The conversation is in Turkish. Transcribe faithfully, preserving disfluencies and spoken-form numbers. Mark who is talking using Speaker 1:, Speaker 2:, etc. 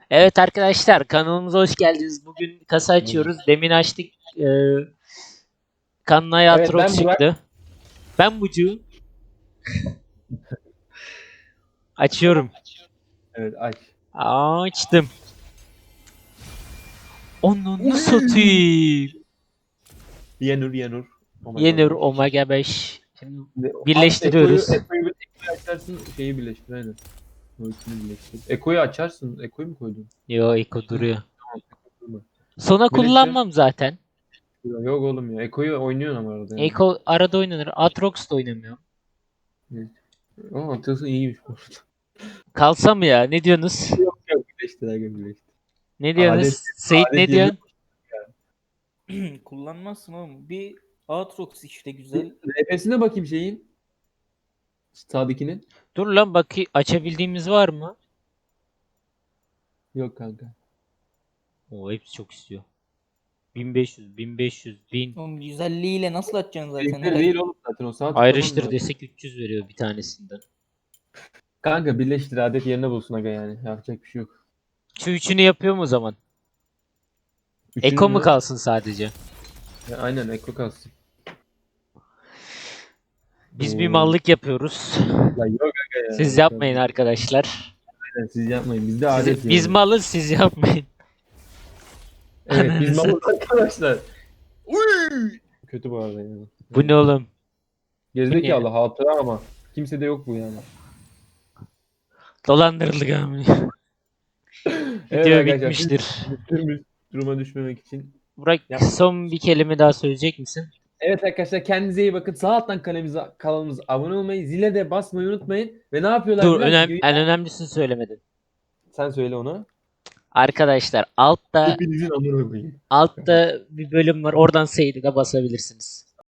Speaker 1: Evet arkadaşlar, kanalımıza hoş geldiniz. Bugün kasa açıyoruz. Demin açtık. E, Kanlaya
Speaker 2: Evet
Speaker 1: Atrox
Speaker 2: ben Burak.
Speaker 1: çıktı. Ben Bucu. Açıyorum.
Speaker 2: Evet aç.
Speaker 1: Açtım. Onu
Speaker 2: Uy!
Speaker 1: satayım.
Speaker 2: Yenur Yenur. Oh my god
Speaker 1: Yenir
Speaker 2: beş.
Speaker 1: Omega beş. Şimdi
Speaker 2: Şimdi at Eko'yu
Speaker 1: birleştiriyoruz.
Speaker 2: Eko'yu Eko'yu açarsın şeyi birleştir aynen. O ikisini birleştir. Eko'yu açarsın. Eko'yu mu koydun?
Speaker 1: Yo, Eko
Speaker 2: Hı,
Speaker 1: duruyor.
Speaker 2: tamam, Eko durma.
Speaker 1: Sona
Speaker 2: Birleştir.
Speaker 1: kullanmam zaten.
Speaker 2: Yok oğlum ya. Eko'yu oynuyorsun ama arada yani.
Speaker 1: Eko arada oynanır. Atrox da oynamıyorum.
Speaker 2: Evet. Ama atıyorsun iyiymiş bu arada.
Speaker 1: Kalsa mı ya? Ne diyorsunuz?
Speaker 2: Yok yok birleştir aga birleştir.
Speaker 1: Ne
Speaker 2: Adet,
Speaker 1: diyorsunuz? Seyit
Speaker 2: adet
Speaker 1: ne
Speaker 2: yerine
Speaker 1: diyorsun?
Speaker 3: Kullanmazsın oğlum. Bir Aatrox işte güzel.
Speaker 2: R P'sine bakayım şeyin. Sağdakinin.
Speaker 1: Dur lan, bakayım açabildiğimiz var mı?
Speaker 2: Yok kanka.
Speaker 1: Oo, hepsi çok istiyor. bin beş yüz, bin beş yüz, bin.
Speaker 3: Oğlum güzelliğiyle nasıl atacaksın zaten
Speaker 2: Birlikleri değil
Speaker 3: herhalde?
Speaker 2: oğlum zaten o sağ tıklaman
Speaker 1: Ayrıştır
Speaker 2: lazım.
Speaker 1: desek üç yüz veriyor bir tanesinden.
Speaker 2: Kanka birleştir adet yerine bulsun aga yani. Yapacak bir şey yok.
Speaker 1: Şu üçünü yapıyorum o zaman.
Speaker 2: Üçünü
Speaker 1: Eko mu
Speaker 2: mü?
Speaker 1: kalsın sadece?
Speaker 2: Ya, aynen Ekko kalsın.
Speaker 1: Biz bir
Speaker 2: Oo.
Speaker 1: mallık yapıyoruz.
Speaker 2: Ya yok aga ya.
Speaker 1: Siz
Speaker 2: Yok
Speaker 1: yapmayın
Speaker 2: abi.
Speaker 1: arkadaşlar.
Speaker 2: Aynen, siz yapmayın. Bizde
Speaker 1: Siz,
Speaker 2: adet
Speaker 1: biz
Speaker 2: yani.
Speaker 1: malız, siz yapmayın.
Speaker 2: Evet biz
Speaker 1: Ananızı.
Speaker 2: malız arkadaşlar. Uy! Kötü bu arada yani.
Speaker 1: Bu ne oğlum? Bu ne ya?
Speaker 2: Gerizekalı hatıra ama. Kimsede yok bu yani.
Speaker 1: Dolandırıldık amına.
Speaker 2: Evet
Speaker 1: Video
Speaker 2: arkadaşlar biz
Speaker 1: bitmiştir.
Speaker 2: düştüğümüz duruma düşmemek için
Speaker 1: Burak,
Speaker 2: yapmayın.
Speaker 1: son bir kelime daha söyleyecek misin?
Speaker 2: Evet arkadaşlar kendinize iyi bakın. Sağ alttan kanalımıza, kanalımıza abone olmayı, zile de basmayı unutmayın. Ve ne yapıyorlar
Speaker 1: Dur,
Speaker 2: biliyor musun?
Speaker 1: önem
Speaker 2: Videoyu-
Speaker 1: en önemlisini söylemedin.
Speaker 2: Sen söyle onu.
Speaker 1: Arkadaşlar altta
Speaker 2: Hepinizin amına koyayım.
Speaker 1: altta bir bölüm var. Oradan Seyit'e de basabilirsiniz.